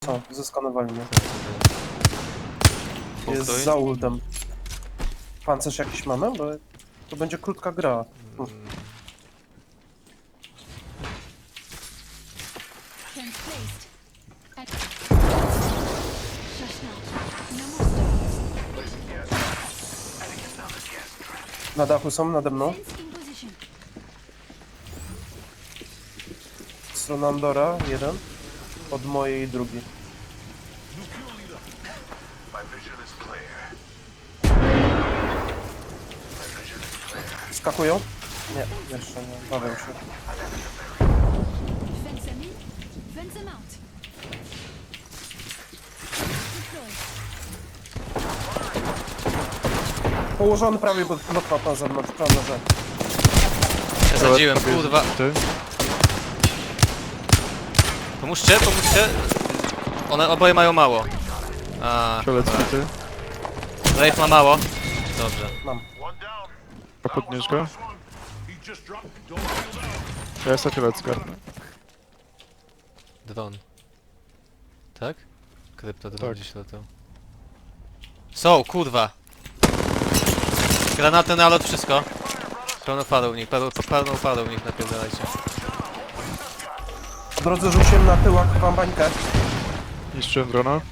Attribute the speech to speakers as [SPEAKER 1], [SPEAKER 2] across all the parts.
[SPEAKER 1] Co? Zeskanowali mnie. Jest za ultem. Pancerz jakiś mamy? Bo to będzie krótka gra. Na dachu są, nade mną. Strona Andora, jeden. Od mojej drugi. Skakują? Nie, jeszcze nie. Bawią się. Położony prawie pod lot na zewnątrz, prawda, że...
[SPEAKER 2] Zasadziłem, kurwa.
[SPEAKER 3] Ty?
[SPEAKER 2] Pomóżcie, pomóżcie. One oboje mają mało. A,
[SPEAKER 3] Fiolet ty?
[SPEAKER 2] Rafe ma mało. Dobrze.
[SPEAKER 1] Mam.
[SPEAKER 3] A podnieś go? Ja jestem fiolet zgarnę.
[SPEAKER 2] Dron. Tak? Kryptodron
[SPEAKER 3] Tak.
[SPEAKER 2] gdzieś latał. Są, kurwa. Granaty na lot, wszystko. Pełno padł w nich, pełno padł w nich, napierdalajcie.
[SPEAKER 1] Po drodze rzuciłem na tyłak wam bańkę.
[SPEAKER 3] Niszczyłem drona.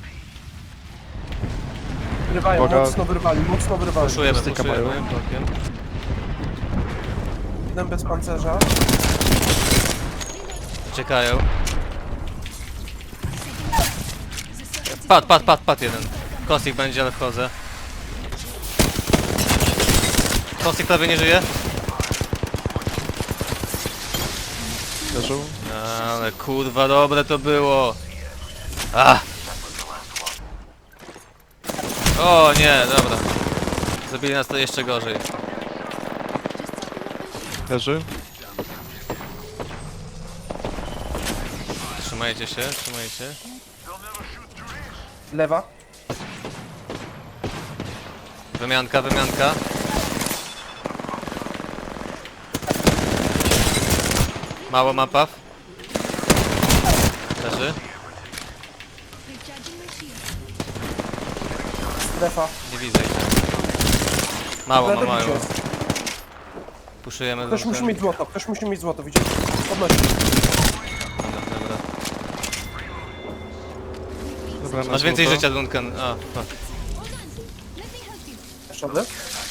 [SPEAKER 1] Wyrywają,
[SPEAKER 3] Uwaga.
[SPEAKER 1] mocno wyrwali, mocno wyrwali.
[SPEAKER 2] Puszujemy,
[SPEAKER 3] Styka
[SPEAKER 2] puszujemy.
[SPEAKER 3] mają.
[SPEAKER 2] Blokiem.
[SPEAKER 1] Jeden bez pancerza.
[SPEAKER 2] Czekają. Padł jeden. Kostik będzie, ale wchodzę. Kostik prawie nie żyje.
[SPEAKER 3] Leżą.
[SPEAKER 2] Ale kurwa, dobre to było. Ah. O nie, dobra. Zabili nas to jeszcze gorzej.
[SPEAKER 3] Leży.
[SPEAKER 2] Trzymajcie się, trzymajcie.
[SPEAKER 1] Lewa.
[SPEAKER 2] Wymianka, wymianka. Mało mapa. Leży.
[SPEAKER 1] Strefa.
[SPEAKER 2] Nie widzę ich. Mało
[SPEAKER 1] Ale
[SPEAKER 2] ma
[SPEAKER 1] dobicie
[SPEAKER 2] mają.
[SPEAKER 1] jest.
[SPEAKER 2] Puszujemy
[SPEAKER 1] Ktoś musi
[SPEAKER 2] Duncan.
[SPEAKER 1] mieć złoto, ktoś musi mieć złoto, widzisz? Podnosi.
[SPEAKER 2] Dobra.
[SPEAKER 3] Dobra, na
[SPEAKER 2] Masz więcej
[SPEAKER 3] złoto.
[SPEAKER 2] życia, Duncan. A, fuck.
[SPEAKER 1] Jeszcze ode?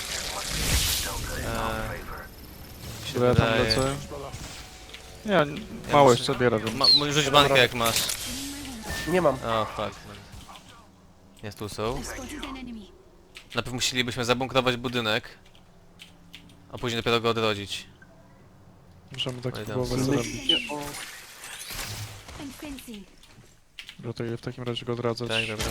[SPEAKER 2] Mi się
[SPEAKER 3] Dobra, ja tam
[SPEAKER 2] wydaje.
[SPEAKER 3] lecę. Nie, mało
[SPEAKER 2] muszę-
[SPEAKER 3] jeszcze biorę, więc...
[SPEAKER 2] Rzuć bankę jak masz.
[SPEAKER 1] Nie mam.
[SPEAKER 2] O, fuck. Jest tu są. Najpierw musielibyśmy zabunkrować budynek, a później dopiero go odrodzić.
[SPEAKER 3] Możemy tak
[SPEAKER 2] Oj, tam
[SPEAKER 3] próbować
[SPEAKER 2] są.
[SPEAKER 3] zrobić. Gotuję w takim razie go odradzać.
[SPEAKER 2] Tak, dobra.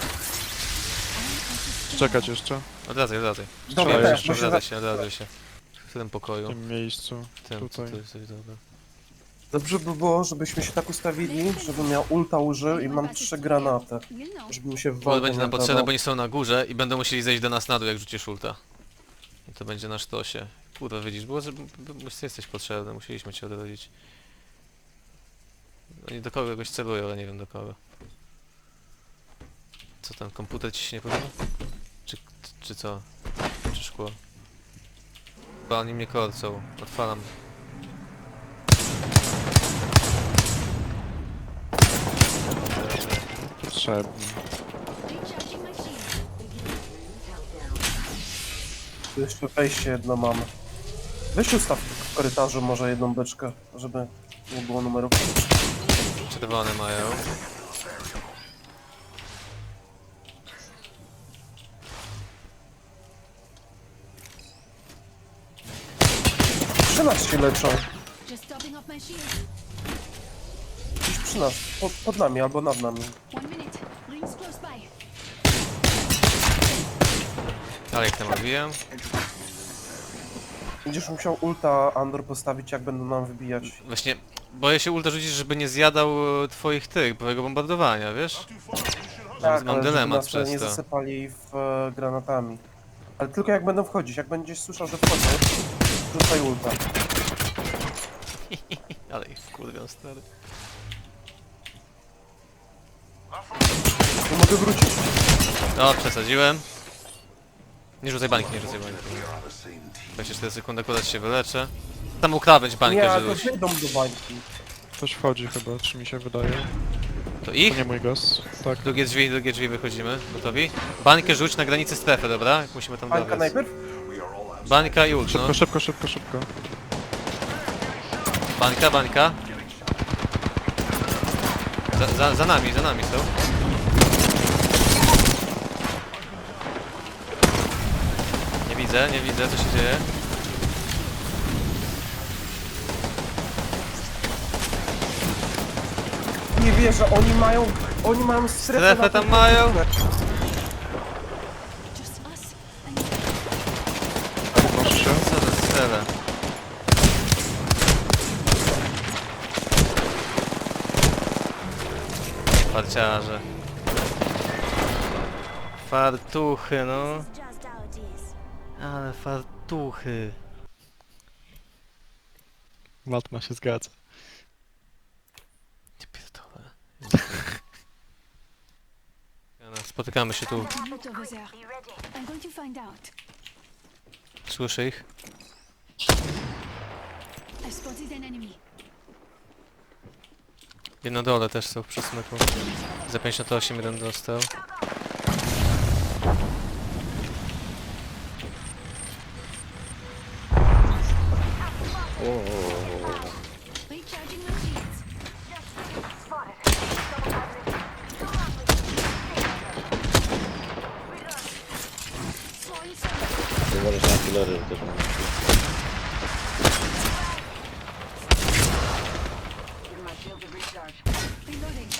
[SPEAKER 3] Czekać jeszcze
[SPEAKER 2] Odradzaj.
[SPEAKER 1] Dobra,
[SPEAKER 3] Trzeba
[SPEAKER 1] też,
[SPEAKER 3] jeszcze.
[SPEAKER 2] Odradzaj się. W tym
[SPEAKER 3] w
[SPEAKER 2] pokoju.
[SPEAKER 3] tym miejscu.
[SPEAKER 2] Tym,
[SPEAKER 3] tutaj.
[SPEAKER 2] tu jesteś, dobra.
[SPEAKER 1] Dobrze by było, żebyśmy się tak ustawili, żebym miał ulta użył i mam 3 granaty. Żebym się w
[SPEAKER 2] Bo
[SPEAKER 1] walkę
[SPEAKER 2] będzie nam
[SPEAKER 1] nie
[SPEAKER 2] potrzebne,
[SPEAKER 1] dawał.
[SPEAKER 2] bo oni są na górze i będą musieli zejść do nas na dół, jak rzucisz ulta. I to będzie na sztosie. Kurwa, widzisz, było, że jesteś potrzebny, musieliśmy cię odrodzić. Oni do kogoś celują, ale nie wiem do kogo. Co tam, komputer ci się nie podoba? Czy co? Czy szkło? Chyba oni mnie korcą. Odpalam.
[SPEAKER 3] Potrzebny.
[SPEAKER 1] Tu jeszcze wejście jedno mamy. Weź ustaw w korytarzu może jedną beczkę, żeby nie było numerów.
[SPEAKER 2] Czerwone mają.
[SPEAKER 1] Przy nas się leczą. Gdzieś przy nas, pod nami albo nad nami.
[SPEAKER 2] Ale ich tam robiłem.
[SPEAKER 1] Będziesz musiał ulta Andor postawić, jak będą nam wybijać.
[SPEAKER 2] Właśnie, boję się ulta rzucić, żeby nie zjadał twoich twojego bombardowania, wiesz? Mam
[SPEAKER 1] ale żeby
[SPEAKER 2] dylemat
[SPEAKER 1] nas
[SPEAKER 2] przez
[SPEAKER 1] nie
[SPEAKER 2] to.
[SPEAKER 1] zasypali w granatami. Ale tylko jak będą wchodzić, jak będziesz słyszał, że wchodzą, rzucaj ulta.
[SPEAKER 2] Ale ich wkurwiam, stary.
[SPEAKER 1] Nie mogę wrócić.
[SPEAKER 2] O, przesadziłem. Nie rzucaj bańki, nie rzucaj bańki. 24 sekundy, akurat się wyleczę. Tam mógł krawędź
[SPEAKER 1] Nie,
[SPEAKER 2] bańkę,
[SPEAKER 1] to
[SPEAKER 2] żebyś.
[SPEAKER 1] wyjdą do bańki.
[SPEAKER 3] Ktoś wchodzi chyba, czy mi się wydaje.
[SPEAKER 2] To
[SPEAKER 3] To
[SPEAKER 2] ich?
[SPEAKER 3] nie mój gaz. Tak.
[SPEAKER 2] Drugie drzwi wychodzimy. Gotowi? Bańkę rzuć na granicy strefy, dobra? Jak musimy tam
[SPEAKER 1] Bańka
[SPEAKER 2] dobiec.
[SPEAKER 1] najpierw?
[SPEAKER 2] Bańka i ult, no.
[SPEAKER 3] Szybko, szybko, szybko, szybko.
[SPEAKER 2] Bańka, bańka. Za nami są. Nie widzę, co się dzieje.
[SPEAKER 1] Nie wierzę, oni mają strefę
[SPEAKER 2] Strefę
[SPEAKER 1] na
[SPEAKER 2] tam
[SPEAKER 1] tym
[SPEAKER 2] mają?
[SPEAKER 1] końcu.
[SPEAKER 4] Just us and
[SPEAKER 3] Podnoszę się.
[SPEAKER 2] Co za strele? Farciarze. Fartuchy, no.
[SPEAKER 4] just our dears.
[SPEAKER 2] Ale fartuchy.
[SPEAKER 3] Matma się zgadza.
[SPEAKER 2] Nie pierdolę. Spotykamy się tu.
[SPEAKER 4] There's a loot over there. I'm going to find out.
[SPEAKER 2] Słyszę ich.
[SPEAKER 4] I've spotted an enemy.
[SPEAKER 2] I na dole też są w przesmyku. Za 58 jeden dostał.
[SPEAKER 4] Recharging my shields. Throwing some.
[SPEAKER 5] Uważaj na killery też mam.
[SPEAKER 4] Reloading.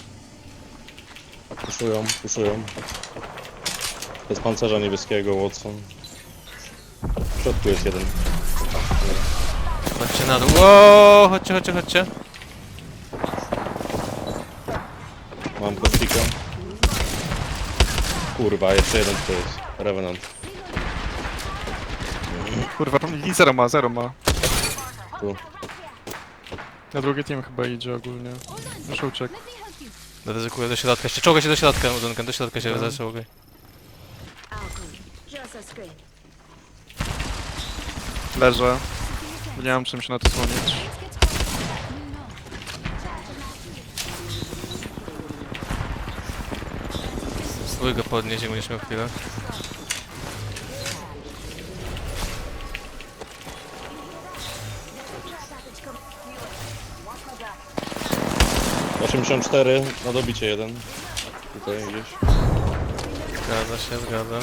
[SPEAKER 5] Puszują. Bez pancerza niebieskiego, Watson. W środku jest jeden.
[SPEAKER 2] Chodźcie na dół. Wow, chodźcie.
[SPEAKER 5] Mam kostika. Kurwa, jeszcze jeden to jest. Revenant.
[SPEAKER 3] Kurwa, i zero ma.
[SPEAKER 5] Tu.
[SPEAKER 3] Na drugi team chyba idzie ogólnie. Już uciekł.
[SPEAKER 4] Let me help you.
[SPEAKER 2] Ryzykuję do środka. Jeszcze czołgaj się do środka, Duncan. Do środka się zaczołgaj.
[SPEAKER 4] Just a screen.
[SPEAKER 3] Leżę. Nie mam czym się na to słonić.
[SPEAKER 4] Let's get started. No.
[SPEAKER 2] Spróbuj go podnieść, jak będziesz miał chwilę.
[SPEAKER 5] Yy, 84 na dobicie jeden. Tutaj gdzieś.
[SPEAKER 2] Zgadza.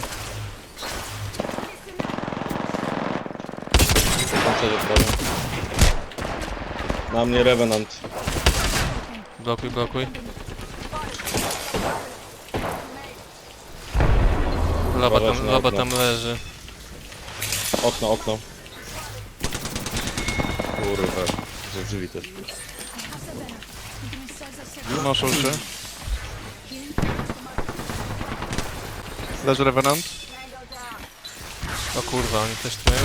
[SPEAKER 5] Pancerze prawie. Na mnie Revenant.
[SPEAKER 2] Blokuj.
[SPEAKER 5] Uważajcie na
[SPEAKER 2] Loba
[SPEAKER 5] okno.
[SPEAKER 2] tam leży.
[SPEAKER 5] Okno. Kurwa. Ze drzwi też.
[SPEAKER 3] Noszą się. Leży Revenant.
[SPEAKER 2] O kurwa, oni też tu mają.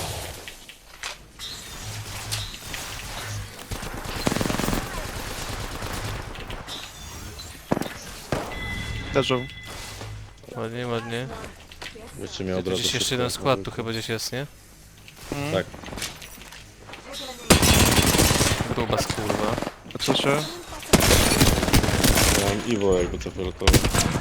[SPEAKER 3] Leżą.
[SPEAKER 2] Ładnie.
[SPEAKER 5] Wiecie mnie od
[SPEAKER 2] Tu
[SPEAKER 5] razu.
[SPEAKER 2] gdzieś jeszcze
[SPEAKER 5] szybko.
[SPEAKER 2] jeden skład tu chyba gdzieś jest, nie?
[SPEAKER 5] Tak.
[SPEAKER 2] Grubas kurwa.
[SPEAKER 3] Patrzę się.
[SPEAKER 5] Ja mam Iwo jakby co fioletowy.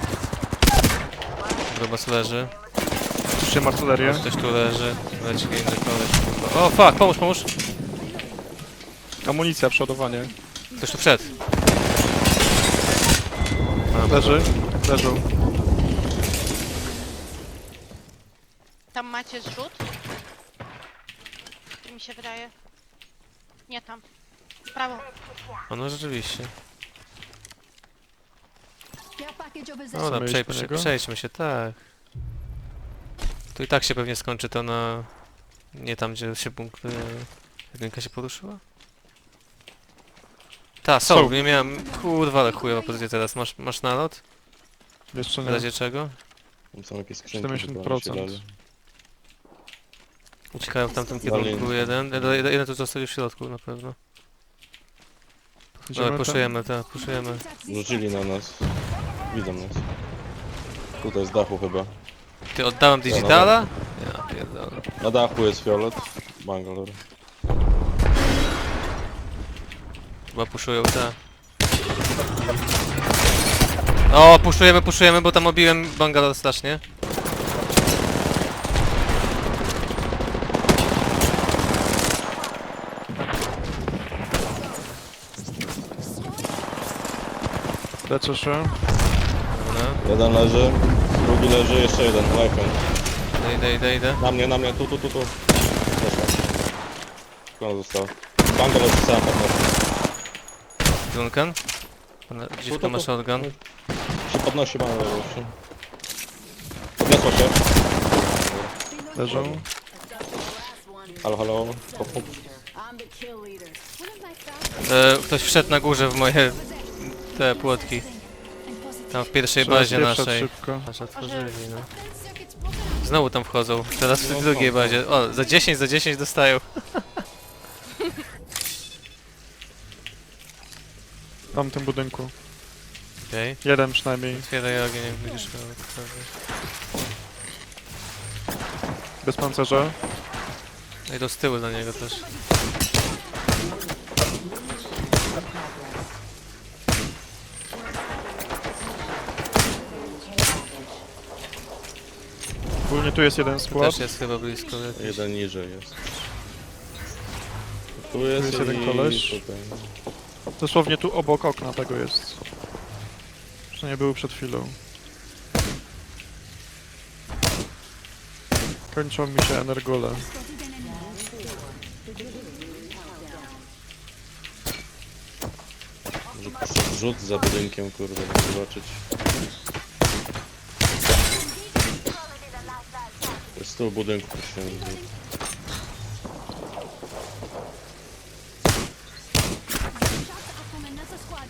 [SPEAKER 2] Grubas leży.
[SPEAKER 3] Puszczę artylerię.
[SPEAKER 2] Ktoś tu leży. Leci inny koleś kurwa. O fuck, pomóż!
[SPEAKER 3] Amunicja, przodowanie.
[SPEAKER 2] Ktoś tu wszedł.
[SPEAKER 3] Leżą.
[SPEAKER 6] Tam macie zrzut? Tak mi się wydaje. Nie tam. W prawo.
[SPEAKER 2] O no rzeczywiście.
[SPEAKER 4] Care package over there.
[SPEAKER 2] Dobra,
[SPEAKER 3] Chcemy iść po niego?
[SPEAKER 2] przejdźmy się, tak. Tu i tak się pewnie skończy to na... Nie tam, gdzie się punkt... Jedynka się poruszyła? Ta, są,
[SPEAKER 3] Są.
[SPEAKER 2] nie miałem... Kurwa, ale chujowa pozycja teraz. Masz nalot?
[SPEAKER 3] Jeszcze
[SPEAKER 2] W
[SPEAKER 3] nie.
[SPEAKER 2] razie czego?
[SPEAKER 5] Tam są jakieś skrzynki.
[SPEAKER 3] 70%.
[SPEAKER 5] chyba, się dali.
[SPEAKER 2] Uciekają w tamtym
[SPEAKER 5] Dalej.
[SPEAKER 2] kierunku jeden. Jeden tu zostali w środku na pewno.
[SPEAKER 3] Idziemy
[SPEAKER 2] Dobra,
[SPEAKER 3] tam?
[SPEAKER 2] puszujemy.
[SPEAKER 5] Rzucili na nas. Widzą nas. Tutaj z dachu chyba.
[SPEAKER 2] Ty oddałem digitala? Ja pierdolę.
[SPEAKER 5] Na dachu jest fiolet. Bangalore.
[SPEAKER 2] Chyba puszują te. O, puszujemy, bo tam obiłem Bangalore strasznie.
[SPEAKER 3] Leczę się.
[SPEAKER 2] Dobra.
[SPEAKER 5] Jeden leży, drugi leży, jeszcze jeden. Life'em.
[SPEAKER 2] Idę.
[SPEAKER 5] Na mnie, tu. Zeszła. Skąd został? Bangalore sam podnosi.
[SPEAKER 2] Duncan? Dziwka ma shotgun.
[SPEAKER 5] Się podnosi Bangalore jeszcze. Podniosła się.
[SPEAKER 3] Leżą.
[SPEAKER 5] Halo. Hop.
[SPEAKER 4] One of my found
[SPEAKER 2] Ktoś wszedł na górze w moje te płotki.
[SPEAKER 4] and positive.
[SPEAKER 2] Tam w pierwszej
[SPEAKER 3] Trzeba
[SPEAKER 2] bazie
[SPEAKER 3] spieprzać
[SPEAKER 2] naszej.
[SPEAKER 3] szybko.
[SPEAKER 2] Aż otworzyli, no.
[SPEAKER 4] Fence circuits broken.
[SPEAKER 2] Znowu tam wchodzą. Teraz w
[SPEAKER 5] No,
[SPEAKER 2] drugiej
[SPEAKER 5] są.
[SPEAKER 2] bazie. O, za 10 dostają.
[SPEAKER 3] W tamtym budynku.
[SPEAKER 2] Okej.
[SPEAKER 3] Jeden przynajmniej.
[SPEAKER 2] Otwieraj ogień, jak będziesz miał otworzyć.
[SPEAKER 3] Bez pancerza.
[SPEAKER 2] No i do z tyłu do niego też.
[SPEAKER 3] Ogólnie tu jest jeden
[SPEAKER 2] Tu
[SPEAKER 3] skład.
[SPEAKER 2] też jest chyba blisko jakiś.
[SPEAKER 5] Jeden niżej jest. Tu jest,
[SPEAKER 3] jest jeden
[SPEAKER 5] i
[SPEAKER 3] koleś.
[SPEAKER 5] tutaj.
[SPEAKER 3] Dosłownie tu obok okna tego jest. Przynajmniej był przed chwilą. Kończą mi się energole.
[SPEAKER 4] Spotted an enemy.
[SPEAKER 5] Może przez rzut za budynkiem, kurde, żeby zobaczyć. To jest z tyłu budynku. się nazywa.
[SPEAKER 4] Shots up from another squad.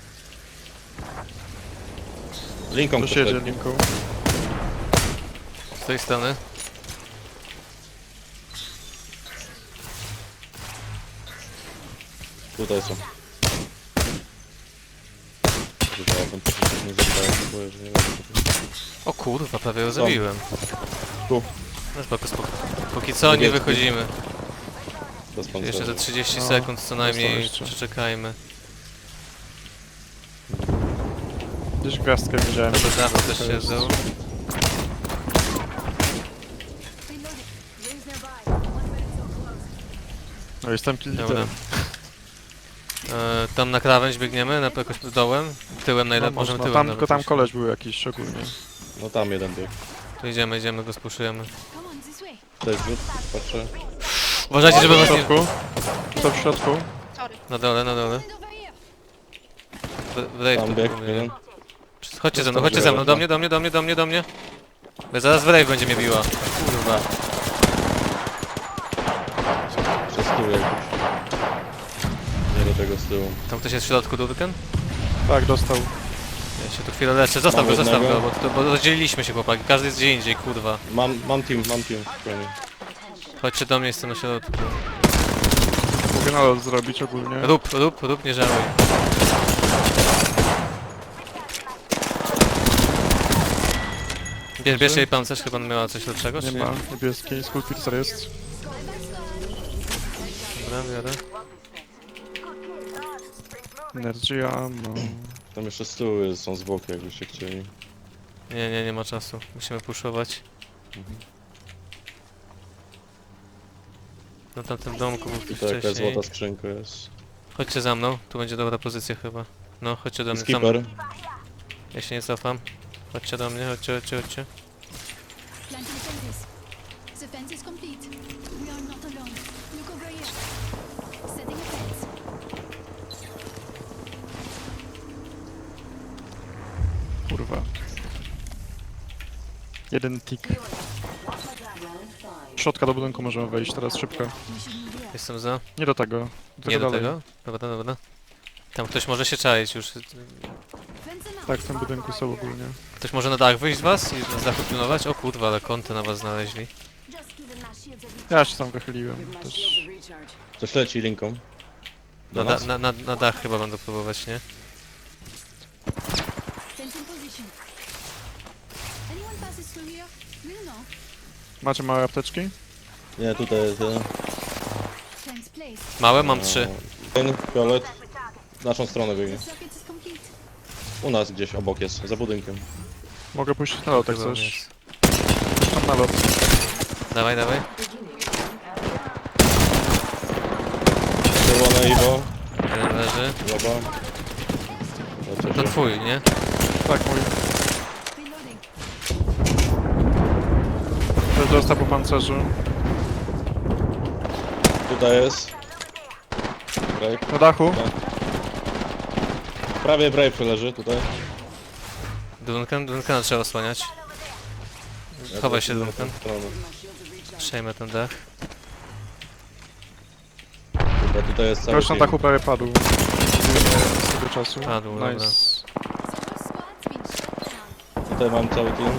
[SPEAKER 5] Linką
[SPEAKER 3] Ktoś jedzie
[SPEAKER 5] poszedł.
[SPEAKER 3] linką.
[SPEAKER 2] Z tej strony.
[SPEAKER 5] Tutaj są. Wybrałem, to się nie zapałem, boję, że nie wiem.
[SPEAKER 2] O kurwa, prawie ją zabiłem.
[SPEAKER 5] Tu.
[SPEAKER 2] No spoko. Póki co nie
[SPEAKER 5] Niebieski.
[SPEAKER 2] wychodzimy.
[SPEAKER 5] Bez pancerza.
[SPEAKER 2] Jeszcze za 30
[SPEAKER 3] No,
[SPEAKER 2] sekund co najmniej
[SPEAKER 3] jeszcze.
[SPEAKER 2] przeczekajmy.
[SPEAKER 3] Gdzieś gwiazdkę widziałem.
[SPEAKER 2] To do dachu też
[SPEAKER 3] To
[SPEAKER 2] się
[SPEAKER 3] jest-
[SPEAKER 2] zdał.
[SPEAKER 4] Reloading. Rings nearby. One minute till close.
[SPEAKER 3] No jestem
[SPEAKER 2] Dobra.
[SPEAKER 3] liderem.
[SPEAKER 2] Tam na krawędź biegniemy, na jakoś dołem. Tyłem
[SPEAKER 3] No,
[SPEAKER 2] najlepiej, możemy
[SPEAKER 3] można.
[SPEAKER 2] tyłem
[SPEAKER 3] Tam,
[SPEAKER 2] nawet
[SPEAKER 3] tylko tam
[SPEAKER 2] iść.
[SPEAKER 3] koleś był jakiś szczególnie.
[SPEAKER 5] No tam jeden bieg.
[SPEAKER 2] Tu idziemy, go spuszujemy.
[SPEAKER 4] Come on, this way.
[SPEAKER 5] To jest rzut, patrzę.
[SPEAKER 2] Uważajcie, żeby
[SPEAKER 3] W
[SPEAKER 2] was nie...
[SPEAKER 3] środku. To w środku.
[SPEAKER 6] Sorry.
[SPEAKER 2] Na dole.
[SPEAKER 4] Stand over here.
[SPEAKER 2] W rave
[SPEAKER 5] Tam
[SPEAKER 2] tu
[SPEAKER 5] bieg,
[SPEAKER 2] próbuję.
[SPEAKER 5] jeden.
[SPEAKER 2] Chodźcie ze mną, do mnie. Bo zaraz w rave będzie mnie biła. Kurwa.
[SPEAKER 5] Przez tył jakiś. Nie do tego z tyłu.
[SPEAKER 2] Tam ktoś jest w środku, Durken?
[SPEAKER 3] Tak, dostał.
[SPEAKER 2] Ja się tu chwilę leczę. Zostaw
[SPEAKER 5] Mam
[SPEAKER 2] go,
[SPEAKER 5] jednego.
[SPEAKER 2] bo rozdzieliliśmy się chłopaki. Każdy jest gdzie indziej, kurwa.
[SPEAKER 5] Mam team, spokojnie.
[SPEAKER 2] Chodźcie do mnie, jestem na środku.
[SPEAKER 3] Mogę nalot zrobić ogólnie.
[SPEAKER 2] Rób, nie żałuj. Bierz jej pancerz, chyba miała coś lepszego, czy
[SPEAKER 3] Nie
[SPEAKER 2] nie?
[SPEAKER 3] ma niebieskiej. Skullpiercer jest.
[SPEAKER 2] Dobra, biorę.
[SPEAKER 3] Energy ammo.
[SPEAKER 5] Tam jeszcze z tyłu jest, są zwłoki, jakbyście chcieli.
[SPEAKER 2] Nie ma czasu. Musimy puszować. Na tamtym domku był ktoś
[SPEAKER 5] Tutaj jakaś
[SPEAKER 2] wcześniej.
[SPEAKER 5] złota skrzynka jest.
[SPEAKER 2] Chodźcie za mną, tu będzie dobra pozycja chyba. No, chodźcie do mnie, za mną.
[SPEAKER 5] Skipper.
[SPEAKER 2] Ja się nie cofam. Chodźcie do mnie, chodźcie.
[SPEAKER 4] Planting fences. The fence is complete. We are not alone. Look over here. Setting a fence.
[SPEAKER 3] Kurwa. Jeden tick. Środka do budynku możemy wejść teraz szybko.
[SPEAKER 4] We should move here.
[SPEAKER 2] Jestem za.
[SPEAKER 3] Nie do tego.
[SPEAKER 2] Nie do
[SPEAKER 3] dalej.
[SPEAKER 2] tego? Dobra. Tam ktoś może się czaić już.
[SPEAKER 4] Fence enough.
[SPEAKER 3] Tak, w tym budynku są ogólnie.
[SPEAKER 2] Ktoś może na dach wyjść z was i na dachu pilnować? O kurwa, ale kąty na was znaleźli.
[SPEAKER 3] Ja się tam wychyliłem też.
[SPEAKER 5] Ktoś leci linką. Do
[SPEAKER 2] Na,
[SPEAKER 5] nas?
[SPEAKER 2] na dach chyba będę próbować, nie?
[SPEAKER 4] Fence in position. Anyone passes through here, we'll know.
[SPEAKER 3] Macie małe apteczki?
[SPEAKER 5] Nie, tutaj jest jeden.
[SPEAKER 4] Fence placed.
[SPEAKER 2] Małe, mam 3.
[SPEAKER 5] Ten fiolet. W naszą stronę biegnie.
[SPEAKER 4] The circuit is complete.
[SPEAKER 5] U nas gdzieś obok jest, za budynkiem.
[SPEAKER 3] Mogę pójść na lot, jak
[SPEAKER 2] Chyba
[SPEAKER 3] chcesz.
[SPEAKER 2] jest.
[SPEAKER 3] Tam na lot.
[SPEAKER 2] Dawaj, dawaj.
[SPEAKER 5] Czerwone Iwo.
[SPEAKER 2] Jeden leży.
[SPEAKER 5] Loba.
[SPEAKER 2] To
[SPEAKER 5] Leczę się.
[SPEAKER 2] twój, nie?
[SPEAKER 3] Tak, mój.
[SPEAKER 4] Reloading.
[SPEAKER 3] Ktoś dostał po pancerzu.
[SPEAKER 5] Tutaj jest. Brave.
[SPEAKER 3] Na dachu.
[SPEAKER 5] Prawie Brave leży tutaj.
[SPEAKER 2] Duncana trzeba osłaniać.
[SPEAKER 5] Ja
[SPEAKER 2] Chowaj
[SPEAKER 5] tu
[SPEAKER 2] się,
[SPEAKER 5] idę na
[SPEAKER 2] Duncan.
[SPEAKER 5] tę stronę.
[SPEAKER 2] Przejmę ten dach.
[SPEAKER 5] Dobra, tutaj jest cały
[SPEAKER 3] Ktoś na
[SPEAKER 5] team.
[SPEAKER 3] dachu prawie padł. Z tego czasu.
[SPEAKER 2] Padł, dobra.
[SPEAKER 3] Nice.
[SPEAKER 4] So our squad's been shut down.
[SPEAKER 5] Tutaj mam cały team.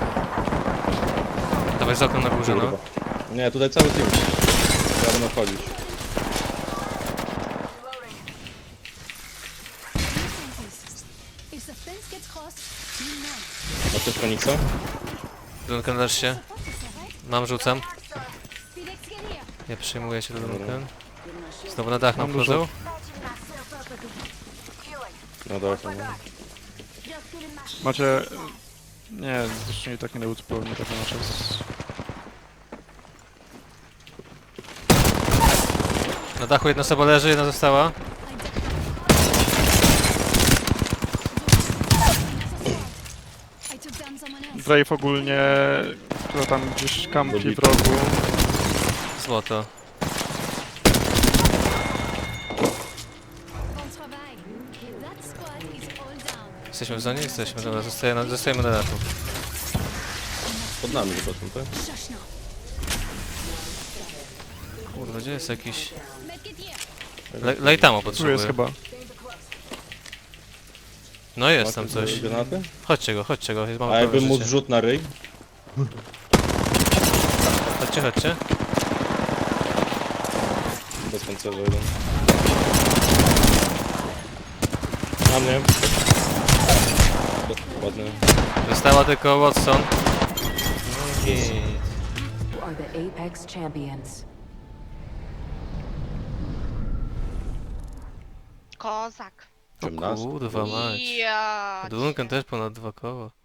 [SPEAKER 2] Dawaj z oknem na górze, no.
[SPEAKER 5] Kurwa. Nie, tutaj cały team. Ja będę wchodzić.
[SPEAKER 4] Fences. If the fence gets crossed, we'll know.
[SPEAKER 5] Masz też Feniksa?
[SPEAKER 2] Duncan, leż się.
[SPEAKER 4] Support us, alright?
[SPEAKER 2] Mam, rzucam.
[SPEAKER 4] Felix, get here.
[SPEAKER 2] Ja przyjmuję się do Duncan. Znowu na dach nam
[SPEAKER 3] Mam dużo.
[SPEAKER 2] wchodzą.
[SPEAKER 5] No dobra, no.
[SPEAKER 3] Macie... Nie, zresztą i tak nie uzupełnię tego na czas.
[SPEAKER 2] Na dachu jedna osoba leży, jedna została.
[SPEAKER 4] I took down someone else.
[SPEAKER 3] Brave ogólnie... która tam gdzieś kampi w rogu.
[SPEAKER 2] Złoto.
[SPEAKER 4] Bon travail. That squad is all down.
[SPEAKER 2] Jesteśmy w zonie? Jesteśmy. Dobra, zostajemy na dachu.
[SPEAKER 5] Pod nami chyba są, tak?
[SPEAKER 4] Shush now.
[SPEAKER 2] Kurwa, gdzie jest jakiś...
[SPEAKER 4] Medkit here.
[SPEAKER 2] Lejtamo
[SPEAKER 3] Tu jest
[SPEAKER 2] potrzebuję.
[SPEAKER 3] chyba.
[SPEAKER 2] No jest tam coś.
[SPEAKER 5] Granaty?
[SPEAKER 2] Chodźcie go, jest mamy
[SPEAKER 5] A jakbym
[SPEAKER 2] prawe
[SPEAKER 5] mu
[SPEAKER 2] życie.
[SPEAKER 5] zrzut na ryj?
[SPEAKER 2] Chodźcie.
[SPEAKER 5] Bez pancerza jeden. Na mnie. Ładnie.
[SPEAKER 2] Została tylko Watson. I...
[SPEAKER 7] You are the Apex champions.
[SPEAKER 6] Kozak.
[SPEAKER 2] O
[SPEAKER 5] 18.
[SPEAKER 2] kurwa mać.
[SPEAKER 6] Ja.
[SPEAKER 2] Duncan też ponad 2 koła.